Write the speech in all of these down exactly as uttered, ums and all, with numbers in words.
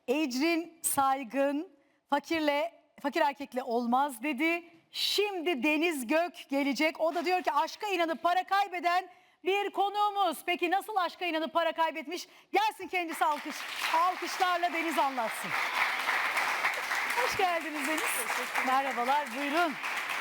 Ecrin Saygın fakirle fakir erkekle olmaz dedi. Şimdi Deniz Gök gelecek. O da diyor ki aşka inanıp para kaybeden bir konuğumuz. Peki nasıl aşka inanıp para kaybetmiş? Gelsin kendisi alkış. Alkışlarla Deniz anlatsın. Hoş geldiniz Deniz. Merhabalar, buyurun.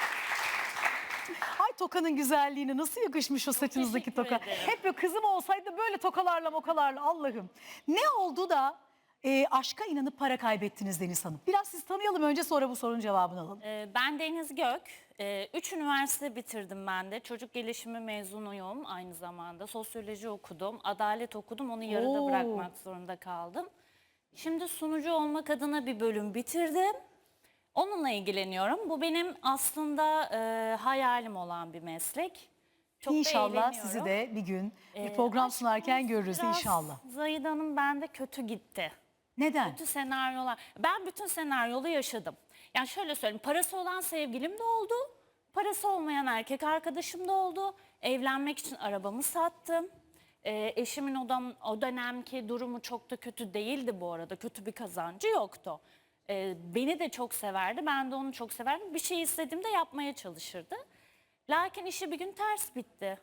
Ay tokanın güzelliğine nasıl yakışmış o saçınızdaki toka. ederim. Hep böyle kızım olsaydı böyle tokalarla mokalarla Allah'ım. Ne oldu da e, aşka inanıp para kaybettiniz Deniz Hanım? Biraz sizi tanıyalım önce, sonra bu sorunun cevabını alalım. Ee, Ben Deniz Gök. Ee, Üç üniversite bitirdim ben de. Çocuk gelişimi mezunuyum aynı zamanda. Sosyoloji okudum, adalet okudum. Onu yarıda Oo. bırakmak zorunda kaldım. Şimdi sunucu olmak adına bir bölüm bitirdim. Onunla ilgileniyorum. Bu benim aslında e, hayalim olan bir meslek. Çok da İnşallah eğleniyorum. sizi de bir gün bir Ee, program aşk sunarken konusu görürüz biraz inşallah. Zahide Hanım bende kötü gitti. Neden? Kötü senaryolar. Ben bütün senaryolu yaşadım. Yani şöyle söyleyeyim, parası olan sevgilim de oldu. Parası olmayan erkek arkadaşım da oldu. Evlenmek için arabamı sattım. Ee, eşimin o, dam, o dönemki durumu çok da kötü değildi bu arada. Kötü bir kazancı yoktu. Ee, beni de çok severdi. Ben de onu çok severdim. Bir şey istediğimde yapmaya çalışırdı. Lakin işi bir gün ters bitti.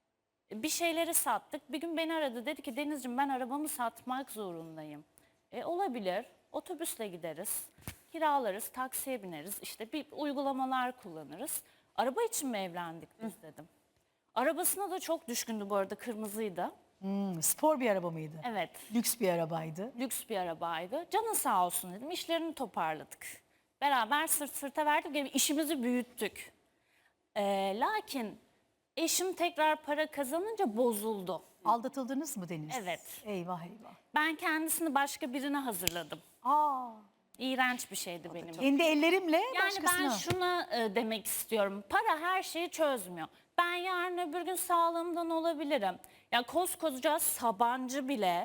Bir şeyleri sattık. Bir gün beni aradı. Dedi ki Denizciğim ben arabamı satmak zorundayım. E, olabilir. Otobüsle gideriz. Kiralarız, taksiye bineriz. İşte bir uygulamalar kullanırız. Araba için mi evlendik biz dedim. Arabasına da çok düşkündü bu arada, kırmızıydı. Hmm, spor bir araba mıydı? Evet, Lüks bir arabaydı. lüks bir arabaydı. Canın sağ olsun dedim. İşlerini toparladık. Beraber sırt sırta verdik ve işimizi büyüttük. E, lakin eşim tekrar para kazanınca bozuldu. Aldatıldınız mı Deniz? Evet. Eyvah eyvah. Ben kendisini başka birine hazırladım. Aa, İğrenç bir şeydi benim için. kendi ellerimle Yani başkasına. ben şuna e, demek istiyorum. Para her şeyi çözmüyor. Ben yarın öbür gün sağlığımdan olabilirim. Ya koskoca Sabancı bile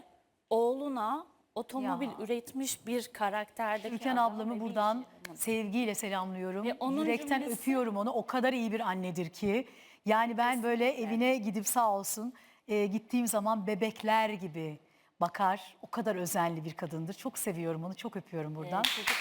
oğluna otomobil Ya. üretmiş bir karakterdeki Türkan adam ablamı ve bir buradan iş adamı. sevgiyle selamlıyorum. Ve onun Yürekten cümlesi- öpüyorum onu. O kadar iyi bir annedir ki. Yani ben böyle evine gidip sağ olsun e, gittiğim zaman bebekler gibi bakar. O kadar özenli bir kadındır. Çok seviyorum onu. Çok öpüyorum buradan. E, çocuk-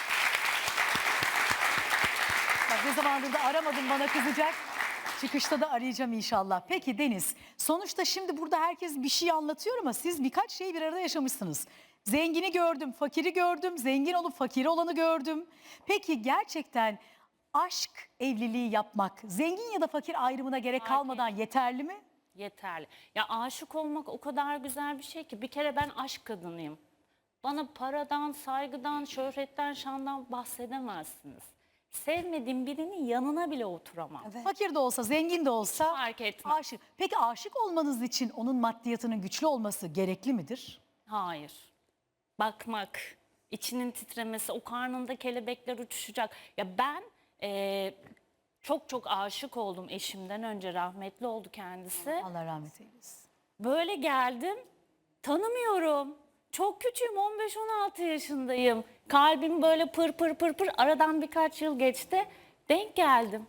Bak ne zamandır da aramadım, bana kızacak. Çıkışta da arayacağım inşallah. Peki Deniz, sonuçta şimdi burada herkes bir şey anlatıyor ama siz birkaç şeyi bir arada yaşamışsınız. Zengini gördüm, fakiri gördüm, zengin olup fakiri olanı gördüm. Peki gerçekten aşk evliliği yapmak, zengin ya da fakir ayrımına gerek Fark kalmadan yeterli mi? Yeterli. Ya aşık olmak o kadar güzel bir şey ki. Bir kere ben aşk kadınıyım. Bana paradan, saygıdan, şöhretten, şandan bahsedemezsiniz. Sevmediğim birinin yanına bile oturamam. Fakir de olsa, zengin de olsa fark etmez. aşık. Peki aşık olmanız için onun maddiyatının güçlü olması gerekli midir? Hayır. Bakmak, içinin titremesi, o karnında kelebekler uçuşacak. Ya ben eee, çok çok aşık oldum eşimden önce, rahmetli oldu kendisi. Allah rahmet eylesin. Böyle geldim, tanımıyorum. Çok küçüğüm, on beş on altı yaşındayım. Kalbim böyle pır pır pır pır. Aradan birkaç yıl geçti. Denk geldim.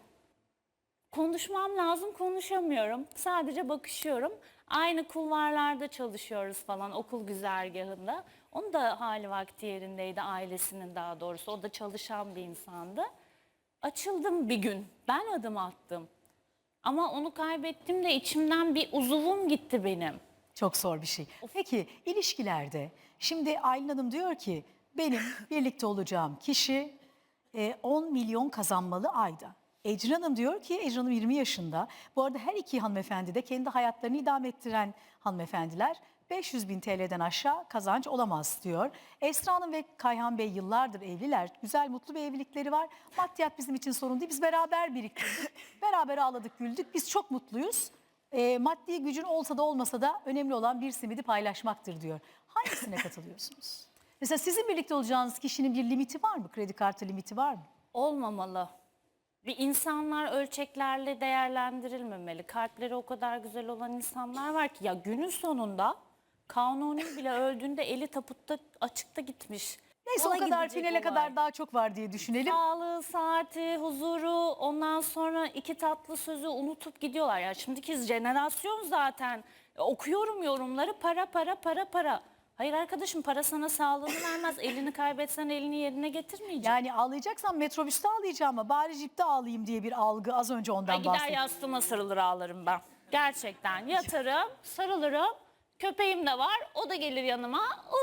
Konuşmam lazım, konuşamıyorum. Sadece bakışıyorum. Aynı kulvarlarda çalışıyoruz falan, okul güzergahında. Onun da hali vakti yerindeydi, ailesinin daha doğrusu. O da çalışan bir insandı. Açıldım bir gün. Ben adım attım. Ama onu kaybettiğimde içimden bir uzuvum gitti benim. Çok zor bir şey. Peki ilişkilerde şimdi Aylin Hanım diyor ki benim birlikte olacağım kişi e, on milyon kazanmalı ayda. Ecrin Hanım diyor ki, Ecrin Hanım yirmi yaşında. Bu arada her iki hanımefendi de kendi hayatlarını idame ettiren hanımefendiler. beş yüz bin T L'den aşağı kazanç olamaz diyor. Esra Hanım ve Kayhan Bey yıllardır evliler. Güzel, mutlu bir evlilikleri var. Maddiyat bizim için sorun değil. Biz beraber biriktirdik. Beraber ağladık, güldük. Biz çok mutluyuz. E, maddi gücün olsa da olmasa da önemli olan bir simidi paylaşmaktır diyor. Hangisine katılıyorsunuz? Mesela sizin birlikte olacağınız kişinin bir limiti var mı? Kredi kartı limiti var mı? Olmamalı. Bir insanlar ölçeklerle değerlendirilmemeli. Kalpleri o kadar güzel olan insanlar var ki ya günün sonunda Kanuni bile öldüğünde eli taputta açıkta gitmiş. Neyse Ona o kadar gidecek finale olay. kadar daha çok var diye düşünelim. Sağlığı, saati, huzuru, ondan sonra iki tatlı sözü unutup gidiyorlar. Ya şimdiki jenerasyon zaten okuyorum yorumları, para para para para. Hayır arkadaşım, para sana sağlığını vermez. Elini kaybetsen elini yerine getirmeyecek. Yani ağlayacaksan metrobüste ağlayacağım ama bari jipte ağlayayım diye bir algı, az önce ondan Ay gider bahsettim. yastığıma sarılır ağlarım ben. Gerçekten yatarım, sarılırım. Köpeğim de var, o da gelir yanıma.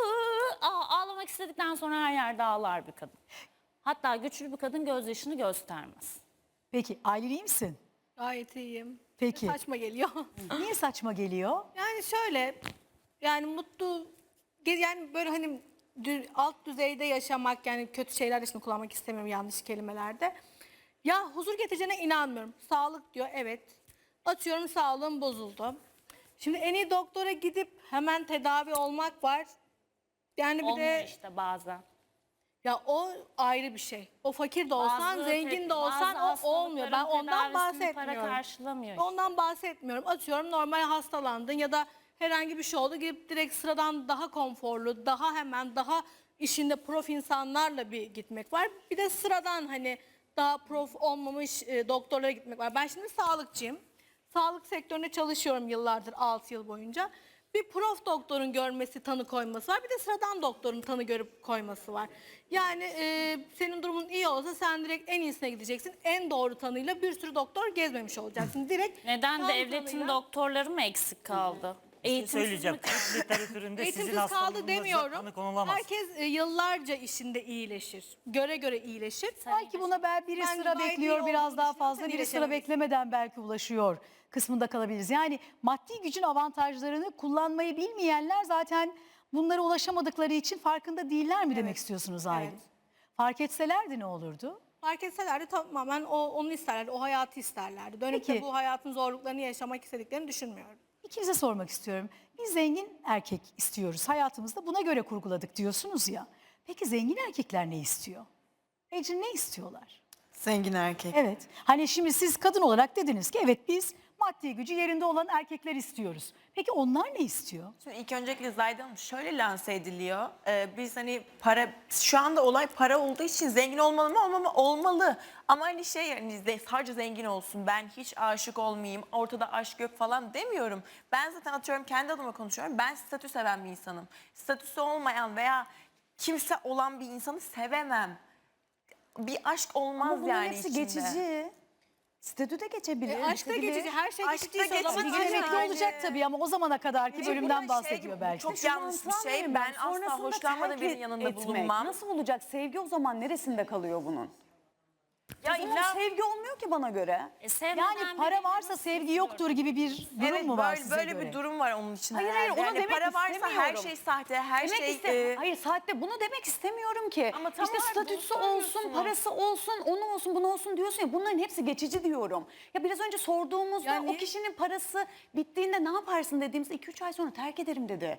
Iı, Aa, ağlamak istedikten sonra her yerde ağlar bir kadın. Hatta güçlü bir kadın gözyaşını göstermez. Peki Aylin, iyi misin? Gayet iyiyim. Peki. Saçma geliyor. Niye saçma geliyor? Yani şöyle, yani mutlu, yani böyle hani dü- alt düzeyde yaşamak, yani kötü şeyler de şimdi kullanmak istemiyorum yanlış kelimelerde. Ya huzur getireceğine inanmıyorum. Sağlık diyor, evet. Atıyorum sağlığım bozuldu. Şimdi en iyi doktora gidip hemen tedavi olmak var. Yani bir Olmuyor de işte bazen. ya o ayrı bir şey. O fakir de olsan, Bazı zengin te- de olsan bazı o olmuyor. Ben hastalıkların ondan tedavisini para bahsetmiyorum. karşılamıyor işte. Ondan bahsetmiyorum. Atıyorum normal hastalandın ya da herhangi bir şey oldu. Gidip direkt sıradan daha konforlu, daha hemen, daha işinde prof insanlarla bir gitmek var. Bir de sıradan hani daha prof olmamış e, doktorlara gitmek var. Ben şimdi sağlıkçıyım. Sağlık sektöründe çalışıyorum yıllardır, altı yıl boyunca. Bir prof doktorun görmesi, tanı koyması var. Bir de sıradan doktorun tanı görüp koyması var. Yani e, senin durumun iyi olsa sen direkt en iyisine gideceksin. En doğru tanıyla bir sürü doktor gezmemiş olacaksın. Direkt Neden tam devletin tanıyla- doktorları mı eksik kaldı? Eğitimsiz söyleyeceğim. mi kaldı? Tıp literatüründe sizin Eğitimsiz kaldı hastalığınıza demiyorum. tanı konulamaz. Herkes e, yıllarca işinde iyileşir. Göre göre iyileşir. Belki buna ben biri Ben sıra gayet bekliyor iyi biraz olduğunu daha düşünüyorum, fazla, sen biri sıra iyileşemezsin. beklemeden belki ulaşıyor kısmında kalabiliriz. Yani maddi gücün avantajlarını kullanmayı bilmeyenler zaten bunlara ulaşamadıkları için farkında değiller mi demek Evet. istiyorsunuz Aylin? Evet. Fark etselerdi ne olurdu? Fark etselerdi tamamen o, onu isterlerdi, o hayatı isterlerdi. Dönüp Peki. de bu hayatın zorluklarını yaşamak istediklerini düşünmüyorum. İkinize sormak istiyorum. Biz zengin erkek istiyoruz. Hayatımızda buna göre kurguladık diyorsunuz ya. Peki zengin erkekler ne istiyor? Ecrin, ne istiyorlar? Zengin erkek. Evet. Hani şimdi siz kadın olarak dediniz ki evet biz maddi gücü yerinde olan erkekler istiyoruz. Peki onlar ne istiyor? Şimdi ilk öncelikle Zahide Hanım şöyle lanse ediliyor. Ee, biz hani para, şu anda olay para olduğu için zengin olmalı mı olmamalı olmalı. Ama hani şey yani ze- sadece zengin olsun, ben hiç aşık olmayayım, ortada aşk yok falan demiyorum. Ben zaten atıyorum kendi adıma konuşuyorum. Ben statü seven bir insanım. Statüsü olmayan veya kimse olan bir insanı sevemem. Bir aşk olmaz Ama bunların yani hepsi içinde. geçici. Statü de geçebilir. E, aşk da bitebilir. geçici, her şey Aşk da geçiciyse o zaman geçici. Bir gün aşk- emekli Yani- olacak tabii ama o zamana kadarki Çünkü bölümden bu bahsediyor şey, belki. Çok yanlış bir Mantığa şey. verin Ben asla Sonrasında hoşlanmadığım terk birinin yanında etmek. bulunmam. Nasıl olacak? Sevgi o zaman neresinde kalıyor bunun? Ya O zaman illa sevgi olmuyor ki bana göre. E, sevmeden Yani para birini varsa nasıl sevgi istiyorum? yoktur gibi bir durum evet, mu var böyle, size böyle göre? bir durum var onun içinde. Hayır, hayır, herhalde. onu Yani demek para varsa her istemiyorum. şey sahte, her Demek şey... iste- e, Hayır saatte bunu demek istemiyorum ki. Ama tam işte olarak bunu statüsü olsun, söylüyorsunuz. parası olsun, onu olsun, bunu olsun diyorsun ya. Bunların hepsi geçici diyorum. Ya biraz önce sorduğumuzda Yani- o kişinin parası bittiğinde ne yaparsın dediğimizde iki üç ay sonra terk ederim dedi.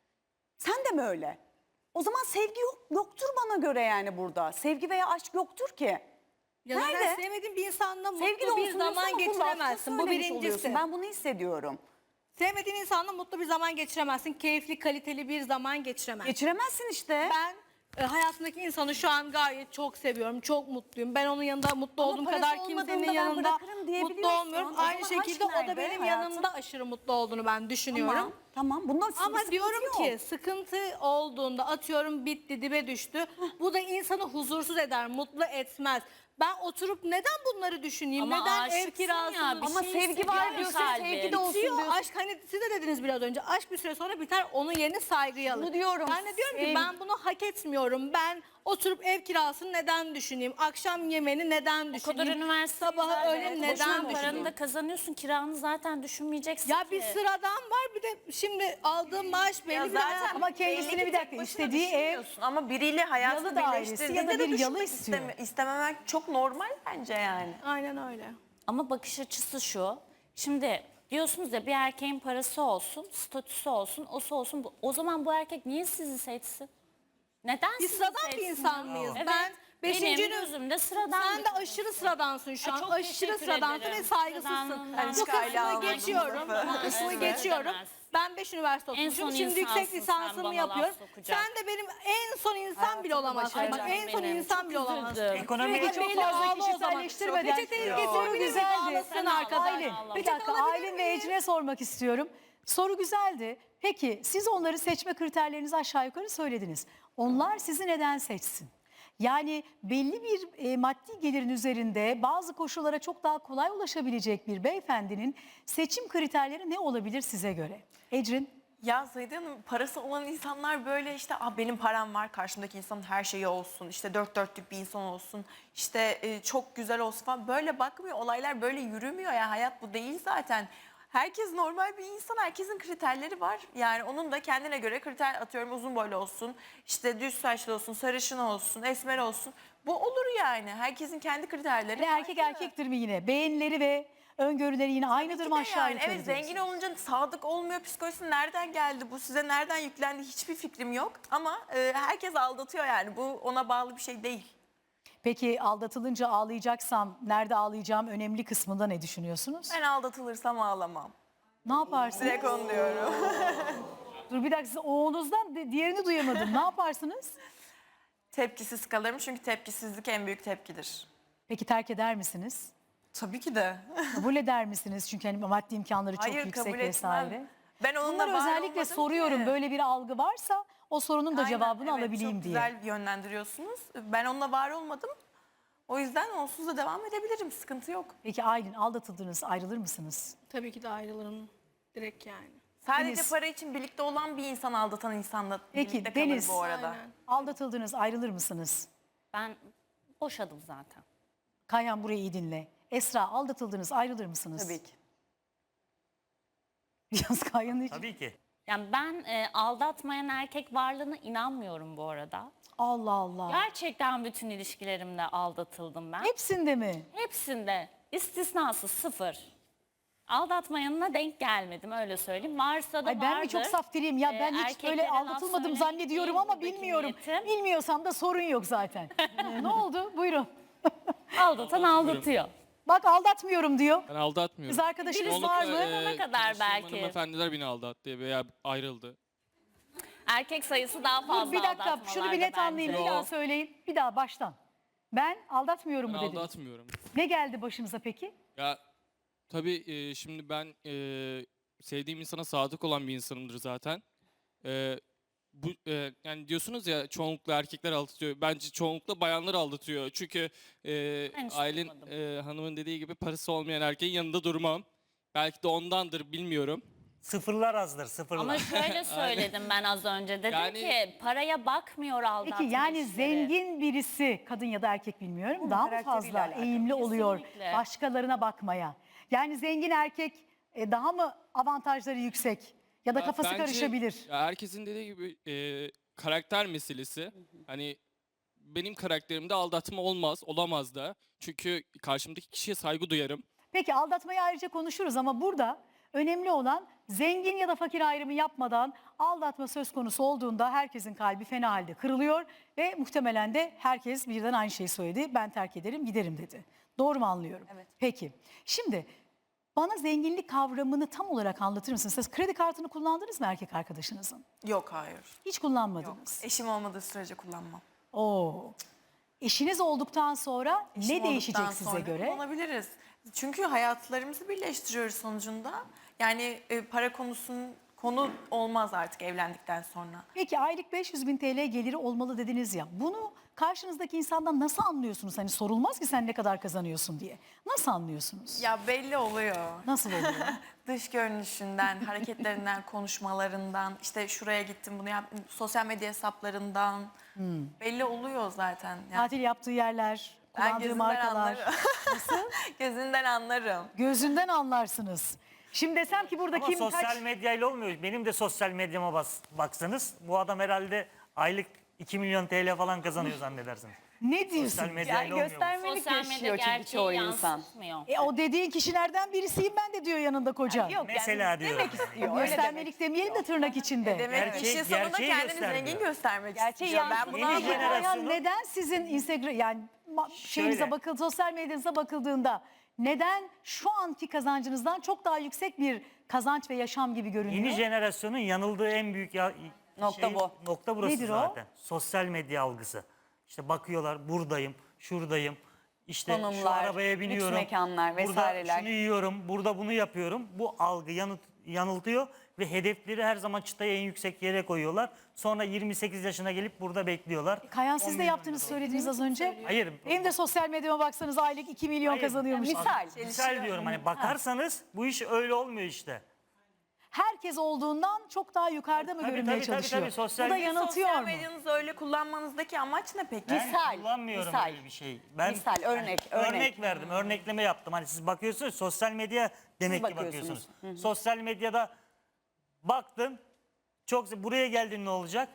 Sen de mi öyle? O zaman sevgi yok, yoktur bana göre yani burada. Sevgi veya aşk yoktur ki. Ya zaten Nerede? sevmediğin bir insanla Sevgi de mutlu olsun bir diyorsun zaman ama bunu lafta geçiremezsin. Bu söylemiş birincisi. oluyorsun. Ben bunu hissediyorum. Sevmediğin insanla mutlu bir zaman geçiremezsin. Keyifli, kaliteli bir zaman geçiremezsin. Geçiremezsin işte. Ben e, hayatımdaki insanı şu an gayet çok seviyorum, çok mutluyum. Ben onun yanında mutlu Ama olduğum parası kadar olmadığında kimsenin ben yanında bırakırım mutlu diyebiliyorsun. olmuyorum. O Aynı zaman aşk şekilde o da nerede benim hayatım? yanımda aşırı mutlu olduğunu ben düşünüyorum. Tamam, tamam. Bunda Ama sıkıntı diyorum yok. ki sıkıntı olduğunda atıyorum bitti, dibe düştü. Bu da insanı huzursuz eder, mutlu etmez. Ben oturup neden bunları düşüneyim? Ama neden ev aşıksın kirası? ya, bir Ama şey sevgi hissediyor var ya diyorsun, kalbin. sevgi de olsun Bitiyor. diyorsun. Aşk, hani siz de dediniz biraz önce, aşk bir süre sonra biter, onun yerine saygıyı alır. Bunu diyorum, Ben de diyorum ki sev- ben bunu hak etmiyorum. Ben oturup ev kirasını neden düşüneyim? Akşam yemeğini neden O düşüneyim? kadar üniversite Sabahı öğlen neden paranı düşüneyim? da kazanıyorsun, kiranı zaten düşünmeyeceksin Ya ki. bir sıradan var, bir de şimdi aldığım maaş belli Ya bir de zaten hayat- Ama kendisini belli ki bir tek dakika başına istediği ev, düşünmüyorsun. Ama biriyle hayatını yalı dairesi birleştirdiğinde ya da bir de yalı düşünmek istiyor. isteme- istememek çok normal bence yani. Aynen öyle. Ama bakış açısı şu. Şimdi diyorsunuz ya bir erkeğin parası olsun, statüsü olsun, osu olsun. bu- O zaman bu erkek niye sizi seçsin? Neden Biz sizi sıradan bir seçsin? insan mıyız? Evet. Ben beşinci Benim gözümde sıradan Sen bir de kadın. aşırı sıradansın şu Ay, an. çok Aşırı teşekkür sıradansın ve ederim. saygısızsın. Sıradanlığından Bu çıkayla kısmını aldım geçiyorum. lafı. Bu kısmını Evet, geçiyorum. demez. Ben beş üniversite En okumuşum. son Şimdi yüksek insansın sen, lisansımı bana yapıyorum. laf sokacak. Sen de benim en son insan bile olamazsın. Bak başaracağım en son benim. insan Çok bile olamazsın. üzüldüm. Ekonomi Peki çok Belli fazla ağla o zaman. kişiselleştirmeden. Peçeteyi Soru getirebilir miyim? güzeldi. Ağlasın arkadaş. Aylin, bir Peçete dakika alabilir Aylin ve miyim? Ecrin'e sormak istiyorum. Soru güzeldi. Peki siz onları seçme kriterlerinizi aşağı yukarı söylediniz. Onlar sizi neden seçsin? Yani belli bir e, maddi gelirin üzerinde bazı koşullara çok daha kolay ulaşabilecek bir beyefendinin seçim kriterleri ne olabilir size göre? Ecrin? Ya Zahide Hanım, parası olan insanlar böyle işte ah benim param var, karşımdaki insanın her şeyi olsun, işte dört dörtlük bir insan olsun, işte e, çok güzel olsun falan, böyle bakmıyor. Olaylar böyle yürümüyor ya, hayat bu değil zaten. Herkes normal bir insan, herkesin kriterleri var. Yani onun da kendine göre kriter, atıyorum uzun boylu olsun, işte düz saçlı olsun, sarışın olsun, esmer olsun. Bu olur yani. Herkesin kendi kriterleri. Yani erkek farklı. erkektir mi yine? Beğenileri ve öngörüleri yine aynıdır Tabii mı ki de aşağı yani. yukarı Evet, diyorsun? zengin olunca sadık olmuyor psikolojisi nereden geldi? Bu size nereden yüklendi? Hiçbir fikrim yok. Ama e, herkes aldatıyor yani. Bu ona bağlı bir şey değil. Peki aldatılınca ağlayacaksam nerede ağlayacağım önemli kısmında ne düşünüyorsunuz? Ben aldatılırsam ağlamam. Ne yaparsınız? Direkt onu diyorum. Dur bir dakika siz oğlunuzdan di- diğerini duyamadım. Ne yaparsınız? Tepkisiz kalırım çünkü tepkisizlik en büyük tepkidir. Peki terk eder misiniz? Tabii ki de. Kabul eder misiniz? Çünkü hani maddi imkanları çok Hayır, yüksek kabul vesaire. etmem. Ben onunla Bunları var özellikle olmadım soruyorum. ki. Böyle bir algı varsa o sorunun da Aynen, cevabını evet, alabileyim çok diye. güzel yönlendiriyorsunuz. Ben onunla var olmadım. O yüzden onsuz da devam edebilirim. Sıkıntı yok. Peki Aylin aldatıldınız ayrılır mısınız? Tabii ki de ayrılırım direkt yani. Sadece Deniz. para için birlikte olan bir insan aldatan insanla Peki, birlikte kalır Deniz. bu arada. Aynen. Aldatıldınız ayrılır mısınız? Ben boşadım zaten. Kayhan burayı iyi dinle. Esra aldatıldınız ayrılır mısınız? Tabii ki. Biraz Kayhan'ın hiç... Tabii ki. Yani ben e, aldatmayan erkek varlığına inanmıyorum bu arada. Allah Allah. Gerçekten bütün ilişkilerimde aldatıldım ben. Hepsinde mi? Hepsinde istisnasız sıfır. Aldatmayanına denk gelmedim öyle söyleyeyim. Varsa da Ay ben mi çok vardır. saf biriyim ya Ee, ben hiç erkeklere böyle laf aldatılmadım söylemek zannediyorum değil ama buradaki bilmiyorum. niyetim. Bilmiyorsam da sorun yok zaten. Ne oldu? Buyurun. Aldatan aldatıyor. Bak aldatmıyorum diyor. Ben aldatmıyorum. Kız arkadaşınız Birisi var Çoğunlukla, mı? Sonuna e, kadar tanıştığım belki. Hanımefendiler beni aldattı veya ayrıldı. Erkek sayısı daha fazla Dur bir dakika şunu bir net aldatmalarda anlayayım. bence. Bir daha Yok. söyleyin. Bir daha baştan. Ben aldatmıyorum Ben mu dediniz? aldatmıyorum. Ne geldi başınıza peki? Ya tabii e, şimdi ben e, sevdiğim insana sadık olan bir insanımdır zaten. E, bu e, yani diyorsunuz ya çoğunlukla erkekler aldatıyor. Bence çoğunlukla bayanlar aldatıyor. Çünkü e, Ben hiç Aylin duymadım. e, hanımın dediği gibi parası olmayan erkeğin yanında durmam. Belki de ondandır bilmiyorum. Sıfırlar azdır, sıfırlar. Ama şöyle söyledim ben az önce. Dedim Yani- ki paraya bakmıyor aldatma Peki yani işleri. zengin birisi kadın ya da erkek bilmiyorum Onun daha mı karakteriyle fazla alakalı. eğimli oluyor Kesinlikle. başkalarına bakmaya? Yani zengin erkek e, daha mı avantajları yüksek ya da Ya kafası bence, karışabilir? ya herkesin dediği gibi e, karakter meselesi. Hani benim karakterimde aldatma olmaz, olamaz da. Çünkü karşımdaki kişiye saygı duyarım. Peki aldatmayı ayrıca konuşuruz ama burada önemli olan zengin ya da fakir ayrımı yapmadan aldatma söz konusu olduğunda herkesin kalbi fena halde kırılıyor ve muhtemelen de herkes birden aynı şeyi söyledi. Ben terk ederim giderim dedi. Doğru mu anlıyorum? Evet. Peki şimdi bana zenginlik kavramını tam olarak anlatır mısınız? Siz kredi kartını kullandınız mı erkek arkadaşınızın? Yok, hayır. Hiç Yok. kullanmadınız. Eşim olmadığı sürece kullanmam. Oo. Eşiniz olduktan sonra Eşim ne değişecek olduktan size sonra göre? kullanabiliriz. Çünkü hayatlarımızı birleştiriyoruz sonucunda. Yani e, para konusunun konu olmaz artık evlendikten sonra. Peki aylık beş yüz bin T L geliri olmalı dediniz ya. Bunu karşınızdaki insandan nasıl anlıyorsunuz? Hani sorulmaz ki sen ne kadar kazanıyorsun diye. Nasıl anlıyorsunuz? Ya belli oluyor. Nasıl oluyor? Dış görünüşünden, hareketlerinden, konuşmalarından, işte şuraya gittim bunu yaptım, sosyal medya hesaplarından belli oluyor zaten. Yani Tatil yaptığı yerler, ben kullandığı gözünden markalar. anlarım. Gözünden anlarım. Gözünden anlarsınız. Şimdi desem ki burada Ama kim sosyal kaç... medyayla olmuyor. Benim de sosyal medyama bas, baksanız bu adam herhalde aylık iki milyon T L falan kazanıyor zannedersiniz. Ne Sosyal diyorsun? medyayla Yani olmuyor. bu. göstermelik Sosyal medya yaşıyor çünkü gerçeği çoğu insan. yansıtmıyor. E, o dediğin kişilerden birisiyim ben de diyor yanında koca. Yok Mesela yani diyorum. demek istiyor. öyle Göstermelik demeyelim de tırnak içinde. Demek Gerçeği- işin sonunda gerçeği kendini göstermiyor. zengin göstermek Gerçeği istiyor. Ben yansıtıyor. bunu Yeni Peki anlıyorum. Ayhan, jenerasyonu- neden sizin Instagram yani ma- şeyinize Şöyle. bakıl sosyal medyanıza bakıldığında neden şu anki kazancınızdan çok daha yüksek bir kazanç ve yaşam gibi görünüyor? Yeni jenerasyonun yanıldığı en büyük ya, Nokta bu. Nokta burası Nedir o? zaten. Sosyal medya algısı. İşte bakıyorlar buradayım, şuradayım. İşte şu Konumlar, arabaya lüks biniyorum. mekanlar Burada vesaireler. şunu yiyorum, burada bunu yapıyorum. Bu algı yanıt yanıltıyor ve hedefleri her zaman çıtayı en yüksek yere koyuyorlar. Sonra yirmi sekiz yaşına gelip burada bekliyorlar. Kayan siz on de milyon yaptığınız lira. söylediniz az önce. Hayır. Benim de sosyal medyama baksanız aylık iki milyon Hayır. kazanıyormuş. Misal. Misal diyorum hani bakarsanız bu iş öyle olmuyor işte. Herkes olduğundan çok daha yukarıda mı Tabii, görünmeye tabii, tabii, çalışıyor? tabii. Sosyal- Bu da yanıltıyor Sosyal mu? medyanızı öyle kullanmanızdaki amaç ne peki? Ben Misal, kullanmıyorum misal. öyle bir şey. Ben Misal, örnek, örnek, örnek. verdim, örnekleme yaptım. Hani siz bakıyorsunuz sosyal medya demek ki bakıyorsunuz. bakıyorsunuz. Sosyal medyada baktım. Çok buraya geldin ne olacak?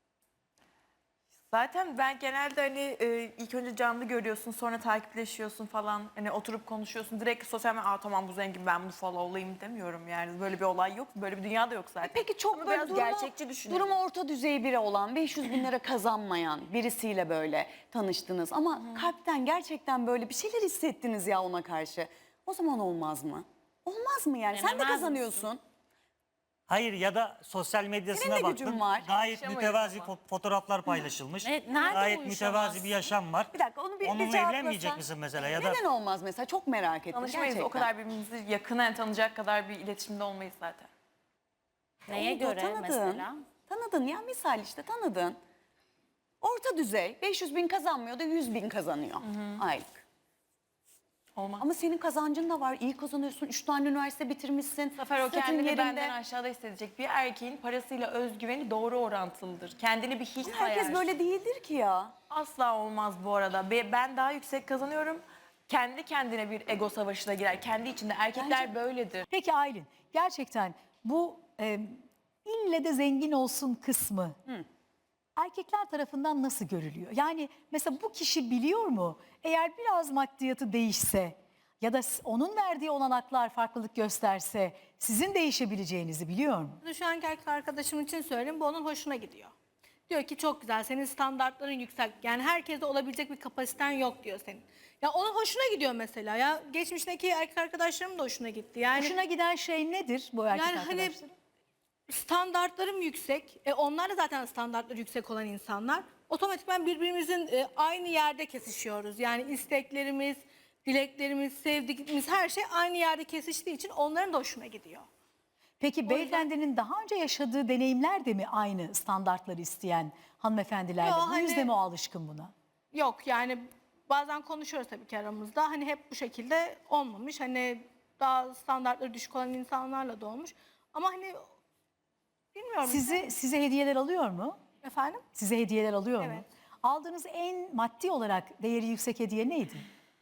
Zaten ben genelde hani e, ilk önce canlı görüyorsun, sonra takipleşiyorsun falan. Hani oturup konuşuyorsun. Direkt sosyal medya, aa tamam bu zengin, ben bunu followlayayım demiyorum yani. Böyle bir olay yok. Böyle bir dünya da yok zaten. Peki çok Ama böyle biraz durumu, gerçekçi düşünelim. durumu orta düzey biri olan, beş yüz bin lira kazanmayan birisiyle böyle tanıştınız. Ama kalpten gerçekten böyle bir şeyler hissettiniz ya ona karşı. O zaman olmaz mı? Olmaz mı yani? Sen de Denemez kazanıyorsun. Hayır ya da sosyal medyasına Senin de baktım. gücün var. Gayet Uyuşamayız mütevazi ama. fo- fotoğraflar paylaşılmış. Ne- nerede Gayet uyuşamazsın? mütevazi bir yaşam var. Bir dakika onu bir, bir Onunla cevaplasan. evlenmeyecek misin mesela ya da Neden olmaz mesela? Çok merak ettim Tanışmayız. gerçekten. O kadar birbirimizi yakından tanıyacak kadar bir iletişimde olmayız zaten. Neye Oldu, göre tanıdın. mesela? Tanıdın ya misal işte tanıdın. Orta düzey beş yüz bin kazanmıyor da yüz bin kazanıyor aylık. Olmaz. Ama senin kazancın da var. İyi kazanıyorsun. Üç tane üniversite bitirmişsin. Bu sefer o statün kendini yerinde. benden aşağıda hissedecek. Bir erkeğin parasıyla özgüveni doğru orantılıdır. Kendini bir hiç Herkes sayar. böyle değildir ki ya. Asla olmaz bu arada. Be- Ben daha yüksek kazanıyorum. Kendi kendine bir ego savaşına girer. Kendi içinde. Erkekler böyledir. Peki Aylin, gerçekten bu e, ille de zengin olsun kısmı erkekler tarafından nasıl görülüyor? Yani mesela bu kişi biliyor mu? Eğer biraz maddiyatı değişse ya da s- onun verdiği olanaklar farklılık gösterse sizin değişebileceğinizi biliyor mu? Şu anki erkek arkadaşım için söyleyeyim, bu onun hoşuna gidiyor. Diyor ki çok güzel, senin standartların yüksek. Yani herkeste olabilecek bir kapasiten yok diyor senin. Ya onun hoşuna gidiyor mesela. Ya geçmişteki erkek arkadaşlarım da hoşuna gitti. Yani Hoşuna giden şey nedir bu erkek yani hani arkadaşların? standartlarım yüksek. E onlar da zaten standartları yüksek olan insanlar. Otomatikman birbirimizin e, aynı yerde kesişiyoruz. Yani isteklerimiz, dileklerimiz, sevdiğimiz her şey aynı yerde kesiştiği için onların da hoşuna gidiyor. Peki beyefendinin daha önce yaşadığı deneyimler de mi aynı standartları isteyen hanımefendilerle? Yo, Bu hani- yüzden mi o alışkın buna? Yok yani bazen konuşuyoruz tabii ki aramızda. Hani hep bu şekilde olmamış. Hani daha standartları düşük olan insanlarla da olmuş. Ama hani bilmiyorum. Sizi size hediyeler alıyor mu? Efendim? Size hediyeler alıyor mu? Evet. Aldığınız en maddi olarak değeri yüksek hediye neydi?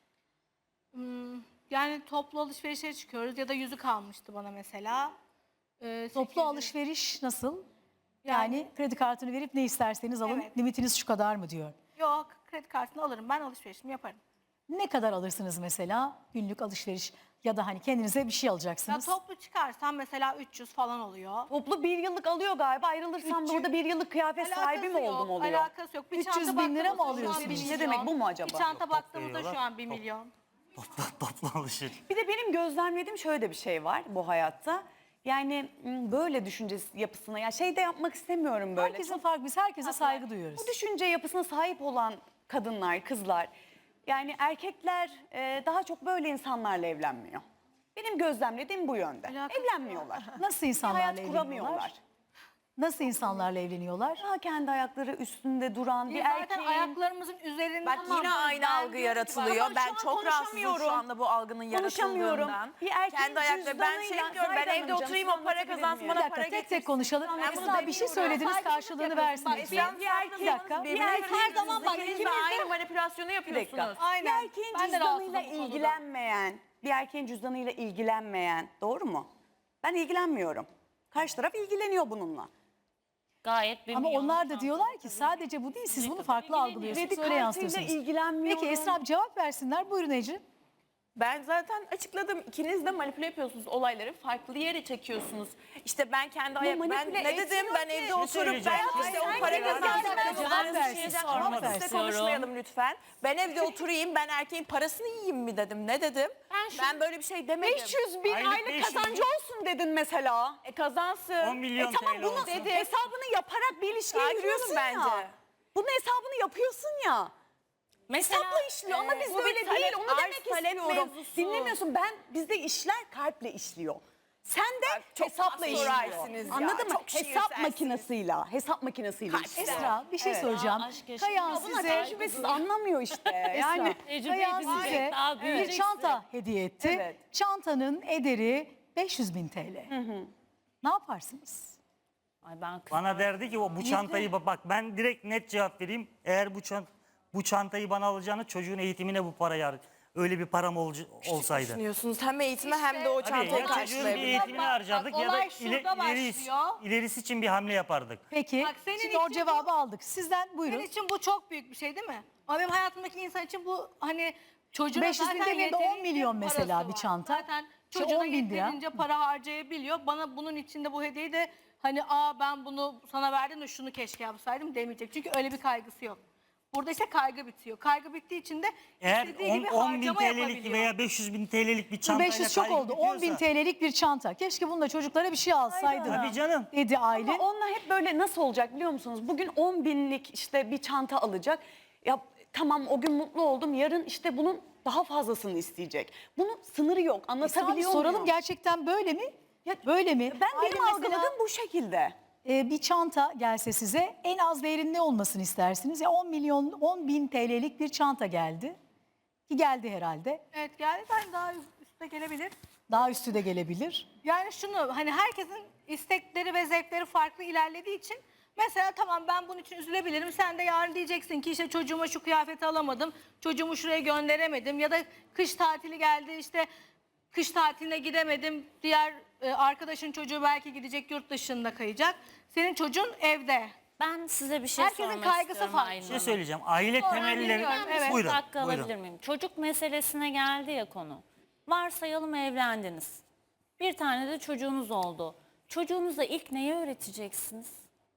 Yani toplu alışverişe çıkıyoruz ya da yüzük almıştı bana mesela. Ee, Toplu sekiz yüz alışveriş nasıl? Yani, kredi kartını verip ne isterseniz alın, Evet. limitiniz şu kadar mı diyor. Yok, kredi kartını alırım, ben alışverişimi yaparım. Ne kadar alırsınız mesela günlük alışveriş ya da hani kendinize bir şey Ya alacaksınız? toplu çıkarsam mesela üç yüz falan oluyor. Toplu bir yıllık alıyor galiba. Ayrılırsam da orada bir yıllık kıyafet sahibi mi yok, oldum oluyor? Alakası yok. Bir üç yüz çanta bin lira mı baktığımızda şu an alıyorsunuz? bir Ne milyon. demek, bu mu acaba? Bir çanta Yok, baktığımızda şu veriyorlar. an bir milyon. Toplu, toplu alışveriş. Bir de benim gözlemlediğim şöyle de bir şey var bu hayatta. Yani m, böyle düşünce yapısına, ya şey de yapmak istemiyorum böyle. Herkesin farklı, biz herkese saygı duyuyoruz. Bu düşünce yapısına sahip olan kadınlar, kızlar, yani erkekler e, daha çok böyle insanlarla evlenmiyor. Benim gözlemlediğim bu yönde. Alakası Evlenmiyorlar. Nasıl Bir insanlarla hayat evleniyorlar? kuramıyorlar. Nasıl insanlarla evleniyorlar? Daha kendi ayakları üstünde duran bir Biz zaten erkeğin... ayaklarımızın üzerinde. Bak Tamam, yine aynı ben algı diyorum ki yaratılıyor. Ama Ben şu an çok rahatsızım şu konuşamıyorum. anda bu algının Konuşamıyorum. yaratıldığından. Bir erkeğin Kendi ayakları. Ben şey cüzdanıyla- diyorum, ben Zahide evde Hanımcığım, oturayım, size o para anlatabilir kazansın, miyim? Bir bana dakika para tek tek getirsin. konuşalım. Ben bunu Esra bir şey demiyorum. söylediniz Saygısızlık karşılığını yapıyorsun. versiniz. Bak, Bir ben bir erkeğin- bir dakika. bir erkeğin her zaman zaman bak ikiniz de ikimiz de- aynı manipülasyonu Bir yapıyorsunuz. dakika. Aynen. Bir erkeğin Ben de rahatsızım cüzdanıyla bu konuda. ilgilenmeyen, bir erkeğin cüzdanıyla ilgilenmeyen, doğru mu? Ben ilgilenmiyorum. Karşı taraf ilgileniyor bununla. Gayet bir Ama milyon onlar da şansı diyorlar ki tabii. sadece bu değil, siz bunu kadar farklı ilgileniyor. algılıyorsunuz, Kredi öyle kartıyla yansıtıyorsunuz. ilgilenmiyorum. Peki Esra cevap versinler. Buyurun Ece. Ben zaten açıkladım. İkiniz de manipüle yapıyorsunuz olayları. Farklı yere çekiyorsunuz. İşte ben kendi ayak... Ben manipüle ne dedim? etmiyor Ben ki. evde Ne oturup söyleyeceğim? ben işte Hayır, o para hayır, kazansın. hayır, Ben cevap onları versin, düşüneceğim. sormak Ama versin. size konuşmayalım lütfen. Ben evde oturayım, ben erkeğin parasını yiyeyim mi dedim. Ne dedim? Ben Ben, şu- böyle bir şey demedim. beş yüz bin Aylık aylık, beş yüz kazancı bin. olsun dedin mesela. E kazansın. on milyon E tamam T L bunu olsun. dedim. Hesabını yaparak bir ilişkiye Sakin olun giriyorsun bence. ya. Bunun hesabını yapıyorsun ya. Mesela Hesapla işliyor ama e, biz bu bir böyle talep, değil. Onu arz demek talep istiyorum. mevzusu. Dinlemiyorsun. Ben bizde işler kalple işliyor. Sen de çok hesapla pastoralsiniz işliyor. ya, Anladın mı? çok Hesap şiirselsiniz. makinesiyle, hesap makinesiyle işliyor. Esra bir şey Evet. soracağım. Ya aşk yaşa. Kayan Ya Buna size tecrübesiz anlamıyor işte. Yani yani Kayan edinecek, size daha bir büyüyeceksin. çanta hediye etti. Evet. Çantanın ederi beş yüz bin T L. Ne yaparsınız? Ay ben kız- Bana derdi ki o bu çantayı ba- bak ben direkt net cevap vereyim. Eğer bu çant bu çantayı bana alacağını çocuğun eğitimine bu parayı har- öyle bir param olca- olsaydı. Düşünüyorsunuz hem eğitime hem de o Tabii çantayı ya çocuğun bir karşılayabilir. eğitimini Bak, harcardık bak, ya da olay ile, şurada ilerisi, başlıyor. ilerisi için bir hamle yapardık. Peki Bak, senin şimdi o için cevabı aldık. Sizden buyurun. Senin için bu çok büyük bir şey değil mi? Ama benim hayatımdaki insan için bu hani çocuğuna beş yüz bin zaten demeyeyim de on yeterince milyon mesela parası bir var. çanta. Zaten İşte çocuğuna on bin lira. yeterince para harcayabiliyor. Bana bunun içinde bu hediyeyi de hani aa ben bunu sana verdim de şunu keşke yapsaydım demeyecek. Çünkü öyle bir kaygısı yok. Burada işte kaygı bitiyor. Kaygı bittiği için de Eğer istediği gibi on bin harcama T L'lik yapabiliyor. veya beş yüz bin T L'lik bir çantayla beş yüz çok kaygı oldu. on bin bitiyorsa- T L'lik bir çanta. Keşke bununla çocuklara bir şey alsaydın. Tabii canım. Dedi Aylin. ama onunla hep böyle nasıl olacak biliyor musunuz? Bugün on binlik işte bir çanta alacak. Ya tamam o gün mutlu oldum. Yarın işte bunun daha fazlasını isteyecek. Bunun sınırı yok. Esra, bir Anlatabiliyor soralım muyum? gerçekten böyle mi? böyle mi? Ben Aylin benim mesela, algıladığım bu şekilde. e, bir çanta gelse size en az değerinin ne olmasını istersiniz? Ya on milyon, on bin T L'lik bir çanta geldi. Ki geldi herhalde. Evet geldi ben daha üstte gelebilir. Daha üstü de gelebilir. Yani şunu hani herkesin istekleri ve zevkleri farklı ilerlediği için mesela tamam ben bunun için üzülebilirim. Sen de yarın diyeceksin ki işte çocuğuma şu kıyafeti alamadım. Çocuğumu şuraya gönderemedim ya da kış tatili geldi işte kış tatiline gidemedim. Diğer e, arkadaşın çocuğu belki gidecek yurt dışında kayacak. Senin çocuğun evde. Ben size bir şey Herkesin sormak kaygısı istiyorum farklı. Aylin Bir şey Hanım. söyleyeceğim. Aile temelleri... dinliyorum, evet. Buyurun. Bir dakika buyurun. alabilir miyim? Çocuk meselesine geldi ya konu. Varsayalım evlendiniz. Bir tane de çocuğunuz oldu. Çocuğunuza ilk neyi öğreteceksiniz?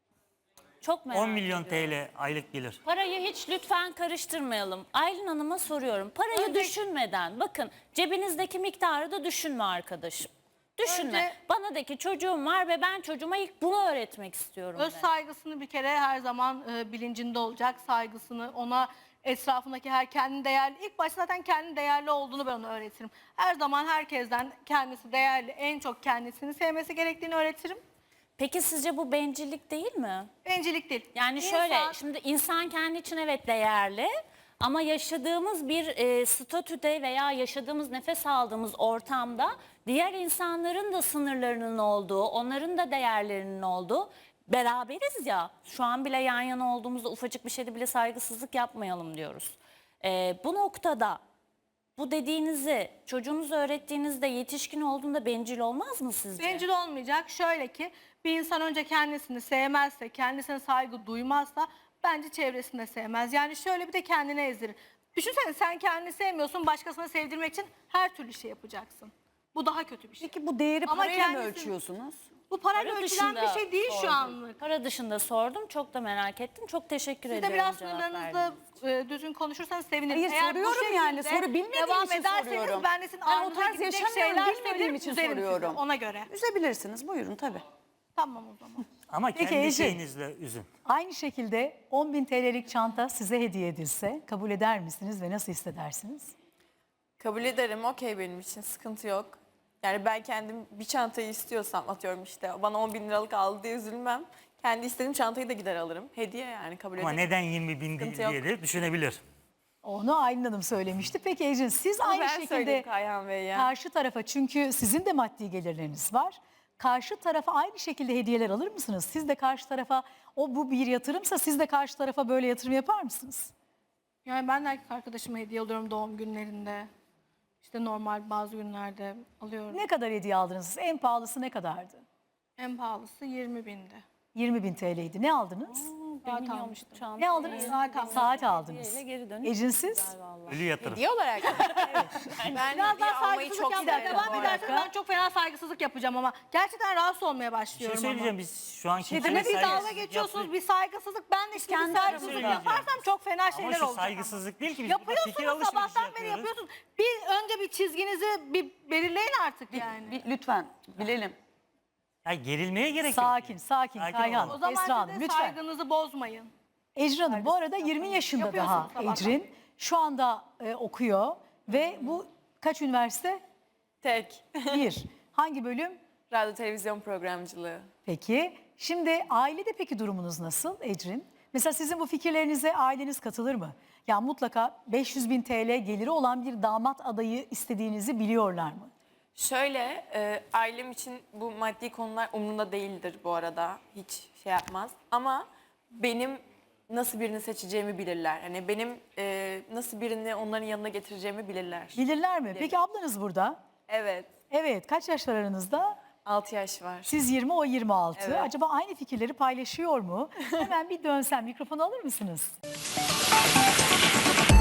Çok merak on milyon ediyorum. T L aylık gelir. Parayı hiç lütfen karıştırmayalım. Aylin Hanım'a soruyorum. Parayı Önce- düşünmeden, bakın cebinizdeki miktarı da düşünme arkadaşım. Düşünme. Önce- Bana de ki çocuğum var ve ben çocuğuma ilk bunu öğretmek istiyorum. Öz de. saygısını bir kere her zaman e, bilincinde olacak. Saygısını ona etrafındaki her kendi değerli. İlk başta zaten kendi değerli olduğunu ben ona öğretirim. Her zaman herkesten kendisi değerli, en çok kendisini sevmesi gerektiğini öğretirim. Peki sizce bu bencillik değil mi? Bencillik değil. Yani İnsan- şöyle, şimdi insan kendi için evet değerli ama yaşadığımız bir e, statüde veya yaşadığımız nefes aldığımız ortamda diğer insanların da sınırlarının olduğu, onların da değerlerinin olduğu, beraberiz ya. Şu an bile yan yana olduğumuzda ufacık bir şeyde bile saygısızlık yapmayalım diyoruz. E, bu noktada bu dediğinizi çocuğunuza öğrettiğinizde yetişkin olduğunda bencil olmaz mı sizce? Bencil olmayacak. Şöyle ki bir insan önce kendisini sevmezse, kendisine saygı duymazsa bence çevresini de sevmez. Yani şöyle bir de kendine ezdirir. Düşünsene sen kendini sevmiyorsun, başkasına sevdirmek için her türlü şey yapacaksın. Bu daha kötü bir şey. Peki bu değeri Ama parayla mı kendisi- ölçüyorsunuz? Bu parayla Para ölçülen bir dışında şey değil şu sordum. anlık. Para dışında sordum. Çok da merak ettim. Çok teşekkür Siz de ediyorum biraz cevap sınırlarınızda verdiğiniz e, düzgün konuşursanız sevinirim. Hayır, Eğer bu soruyorum yani. şekilde Soru bilmediğim devam için ederseniz soruyorum. ben de sizin Ben o ağzınıza tarz gidecek yaşamıyorum, şeyler bilmediğim söylerim, için üzerim sizi soruyorum. ona göre. Üzebilirsiniz. Buyurun tabii. Tamam o zaman. Ama Peki kendi Ece. şeyinizle üzün. Aynı şekilde on bin T L'lik çanta size hediye edilse kabul eder misiniz ve nasıl hissedersiniz? Kabul ederim, okey benim için, sıkıntı yok. Yani ben kendim bir çantayı istiyorsam, atıyorum işte bana on bin liralık aldı diye üzülmem. Kendi istediğim çantayı da gider alırım. Hediye yani, kabul Ama ederim. neden yirmi bin Sıkıntı diye yok. de düşünebilir. Onu Aylin Hanım söylemişti. Peki Ecin siz Bunu aynı ben şekilde söyleyeyim Kayhan Bey ya. karşı tarafa, çünkü sizin de maddi gelirleriniz var. Karşı tarafa aynı şekilde hediyeler alır mısınız? Siz de karşı tarafa, o bu bir yatırımsa siz de karşı tarafa böyle yatırım yapar mısınız? Yani ben de erkek arkadaşıma hediye alıyorum doğum günlerinde. İşte normal bazı günlerde alıyorum. Ne kadar hediye aldınız? En pahalısı ne kadardı? En pahalısı yirmi bindi. yirmi bin T L'ydi. Ne aldınız? Saat almıştım. Ne aldınız? Saat aldım. Saat aldınız. Hediyeyle geri dönüş. Ecin siz? Ölü yatırım. Hediye olarak. Ben Biraz hediye daha almayı saygısızlık çok yapmaya severim. devam bu edersen arada. ben çok fena saygısızlık yapacağım ama gerçekten rahatsız olmaya Bir şey başlıyorum söyleyeceğim, ama. biz şu an Şey kimseye bir dalga saygısızlık geçiyorsunuz, yapmıyoruz. bir saygısızlık. Ben de şimdi kendi bir saygısızlık aramızda yaparsam çok fena Ama şeyler şu olacak. saygısızlık değil ki, biz burada fikir Yapıyorsunuz, alışverişi sabahtan beri yapıyoruz. yapıyorsunuz. Bir önce bir çizginizi bir belirleyin artık yani. Bir- lütfen bilelim. Ya gerilmeye gerek yok. Sakin, sakin. Sakin Kayhan, olun. O zaman Esra siz Hanım de lütfen. saygınızı bozmayın. Ecrin Hanım bu arada yirmi yaşında daha Yapıyorsunuz sabahtan. Ecrin. Şu anda e, okuyor ve bu kaç üniversite? Tek. Bir. Hangi bölüm? Radyo televizyon programcılığı. Peki şimdi ailede peki durumunuz nasıl Ecrin? Mesela sizin bu fikirlerinize aileniz katılır mı? Ya mutlaka beş yüz bin T L geliri olan bir damat adayı istediğinizi biliyorlar mı? Şöyle, e, ailem için bu maddi konular umurumda değildir bu arada. Hiç şey yapmaz. Ama benim nasıl birini seçeceğimi bilirler. Hani benim e, nasıl birini onların yanına getireceğimi bilirler. Bilirler mi? Peki ablanız burada. Evet, Evet, kaç yaş var aranızda? altı yaş var. Siz yirmi, o yirmi altı. Evet. Acaba aynı fikirleri paylaşıyor mu? Hemen bir dönsem, mikrofonu alır mısınız?